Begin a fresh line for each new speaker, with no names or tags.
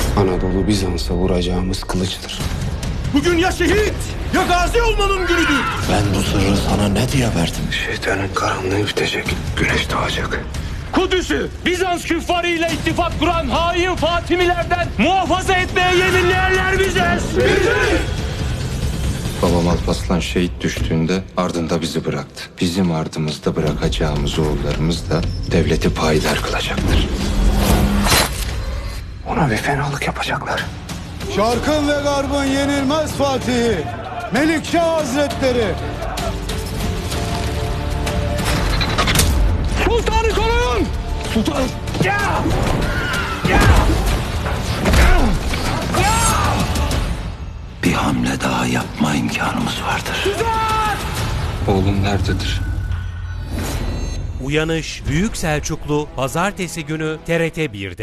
Anadolu Bizans'a vuracağımız kılıçtır.
Bugün ya şehit ya gazi olmanın günüdür.
Ben bu sırrı sana ne diye verdim?
Şeytanın karanlığı bitecek, güneş doğacak.
Kudüs'ü Bizans küffarıyla ittifak kuran hain Fatimilerden muhafaza etmeye yeminleyenler biziz.
Babam Alparslan şehit düştüğünde ardında bizi bıraktı. Bizim ardımızda bırakacağımız oğullarımız da devleti payidar kılacaktır. Ona bir fenalık yapacaklar.
Şarkın ve Garb'ın yenilmez Fatihi, Melikşah Hazretleri.
Sultanı koruyun. Sultan.
Bir hamle daha yapma imkanımız vardır.
Oğlum nerededir?
Uyanış Büyük Selçuklu Pazartesi günü TRT 1'de.